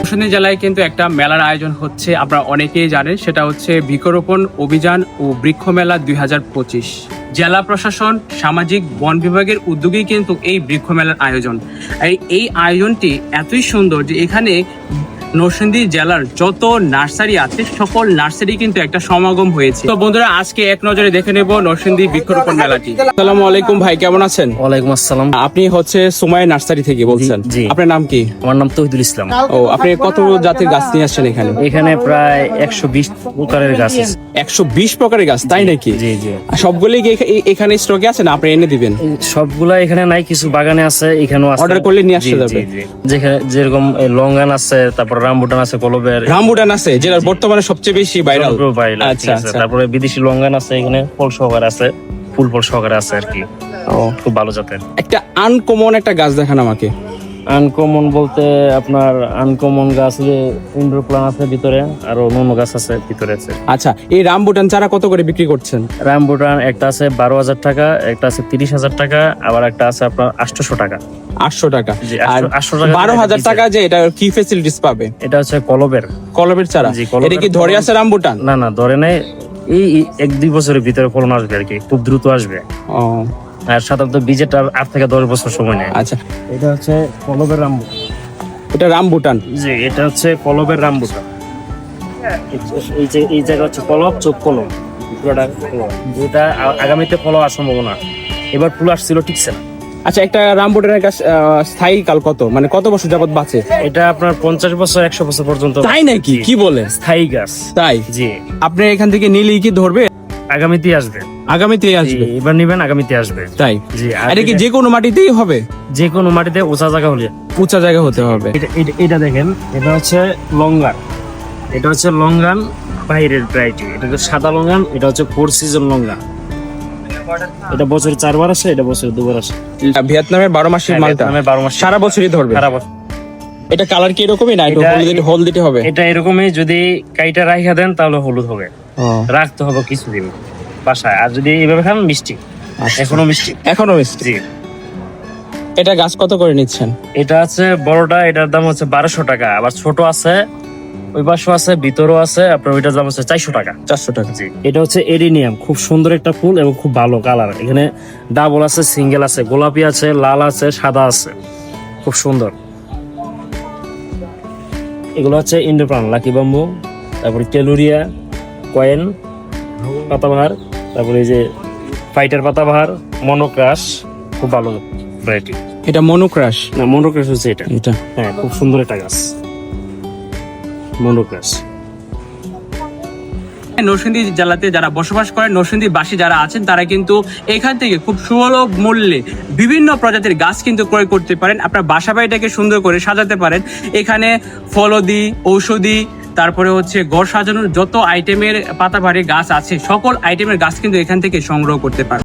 নরসিংদী জেলায় কিন্তু একটা মেলার আয়োজন হচ্ছে, আপনারা অনেকেই জানেন, সেটা হচ্ছে বৃক্ষরোপণ অভিযান ও বৃক্ষ মেলা 2025। জেলা প্রশাসন, সামাজিক বন বিভাগের উদ্যোগেই কিন্তু এই বৃক্ষ মেলার আয়োজন। এই আয়োজনটি এতই সুন্দর যে এখানে নরসিংদী জেলার যত নার্সারি আছে সকল নার্সারি কিন্তু একটা সমাগম হয়েছে। তো বন্ধুরা, আজকে এক নজরে দেখে নেব নরসিংদী বৃক্ষরোপণ মেলাটি। আসসালামু আলাইকুম ভাই, কেমন আছেন? ওয়ালাইকুম আসসালাম। আপনি হচ্ছে সুমাইয়া নার্সারি থেকে বলছেন? জি। আপনার নাম কি? আমার নাম তৌহিদুল ইসলাম। ও, আপনি কত জাতের গাছ নিয়ে আসছেন এখানে? এখানে প্রায় 120 প্রকারের গাছ আছে। 120 প্রকারের গাছ, তাই নাকি? জি জি। সবগুলোই কি এখানে স্টকে আছে না আপনি এনে দিবেন? সবগুলা এখানে নাই, কিছু বাগানে আছে, এখানেও আছে। অর্ডার করলে নিয়ে আসতে যাবে? যেখানে যেরকম লঙ্গান আছে, তারপর রামবুটান আছে, কলবের রামবুটান আছে, যেটা বর্তমানে সবচেয়ে বেশি ভাইরাল। আচ্ছা আচ্ছা। তারপরে বিদেশি লঙ্গান আছে, এখানে ফল সহকারে আছে, ফুল সহকারে আছে আর কি। ও, খুব ভালো জাতের। একটা আনকমন একটা গাছ দেখান আমাকে। আনকমন বলতে আপনার আনকমন গাছ ইনডোর প্ল্যান্ট আছে ভিতরে, আর অন্য গাছ আছে ভিতরে আছে। আচ্ছা, এই রামবুটান চারা কত করে বিক্রি করছেন? রামবুটান একটা আছে 12,000 টাকা, একটা আছে 30,000 টাকা, আবার একটা আছে আপনার 800 টাকা। 800 টাকা। জি, আর 800 টাকা। 12,000 টাকা যে এটা কি ফ্যাসিলিটিস পাবে? এটা হচ্ছে কলবের চারা। জি, কলবের। এটা কি ধরে আছে রামবুটান? না না, ধরে নাই। এই 1-2 বছরের ভিতরে ফলন আসবে আর কি, খুব দ্রুত আসবে। ও আর সাধারণত বীজের 8 থেকে 10 বছর সময় নেয়। আচ্ছা, এটা হচ্ছে কলবের রামবুটান। এটা রামবুটান। জি, এটা হচ্ছে কলবের রামবুটান। এই জায়গা হচ্ছে কলব, চোখ কলম, পুরোটা কলম। এটা আগামীতে ফল হওয়ার সম্ভাবনা। এবার ফুল আসছিল, টিকছে না। আচ্ছা, একটা রামবুটানের গাছ স্থায়ী কাল কত, মানে কত বছর যাবত বাঁচে? এটা আপনার 50 বছর 100 বছর পর্যন্ত। তাই নাকি? কি বলে? স্থায়ী গাছ। তাই? জি। আপনি এখান থেকে নিলেই কি ধরবে? আগামীতে আসবে। আগামীতে আসবে? এবার নিবেন, আগামীতে আসবে। তাই? জি। আর এটা কি যে কোনো মাটিতেই হবে? যে কোনো মাটিতে উঁচা জায়গা হলে। উঁচা জায়গা হতে হবে। এটা দেখেন, এটা হচ্ছে লঙ্গান। এটা হচ্ছে লঙ্গান বাইরের ভ্যারাইটি। এটা হচ্ছে সাদা লঙ্গান, এটা হচ্ছে 4 সিজন লঙ্গান। এটা বছরে 4 বার আসে, এটা বছরে 2 বার আসে। ভিয়েতনামের 12 মাসের মালটা? ভিয়েতনামের 12 মাস সারা বছরই ধরবে? সারা বছর। এটা কালার কি এরকমই না একটু হলদিতে হবে? এটা এরকমই, যদি কাইটা রাইখা দেন তাহলে হলুদ হবে। রাখতে হবে কিছুদিন বাসায়, আর যদি এইভাবে খান মিষ্টি। এখনো মিষ্টি। জি। এটা গাছ কত করে নিচ্ছেন? এটা আছে বড়টা, এটার দাম হচ্ছে 1200 টাকা। আবার ছোট আছে, ওই পাশে আছে, ভিতরও আছে, আপনার ওইটার দাম হচ্ছে 400 টাকা। 400 টাকা। জি। এটা হচ্ছে এরিনিয়াম, খুব সুন্দর একটা ফুল এবং খুব ভালো কালার। এখানে ডাবল আছে, সিঙ্গেল আছে, গোলাপি আছে, লাল আছে, সাদা আছে, খুব সুন্দর। এগুলো হচ্ছে ইনডোর প্ল্যান্ট, লাকি বাম্বু, তারপরে টেলুরিয়া, কয়েন পাতাবাহার, তারপরে এই যে ফাইটার পাতাবাহার, মনোক্রাশ, খুব ভালো ভ্যারাইটি। এটা মনোক্রাশ? না, মনোক্রাশ হচ্ছে এটা। হ্যাঁ, খুব সুন্দর একটা গাছ, মনোক্রাশ। নরসিংদী জেলাতে যারা বসবাস করেন, নরসিংদীবাসী যারা আছেন, তারা কিন্তু এখান থেকে খুব সুলভ মূল্যে বিভিন্ন প্রজাতির গাছ কিন্তু ক্রয় করতে পারেন। আপনার বাসা বাড়িটাকে সুন্দর করে সাজাতে পারেন। এখানে ফলদি, ঔষধি, তারপরে হচ্ছে ঘর সাজানোর যত আইটেমের পাতাবাহারি গাছ আছে, সকল আইটেমের গাছ কিন্তু এখান থেকে সংগ্রহ করতে পারেন।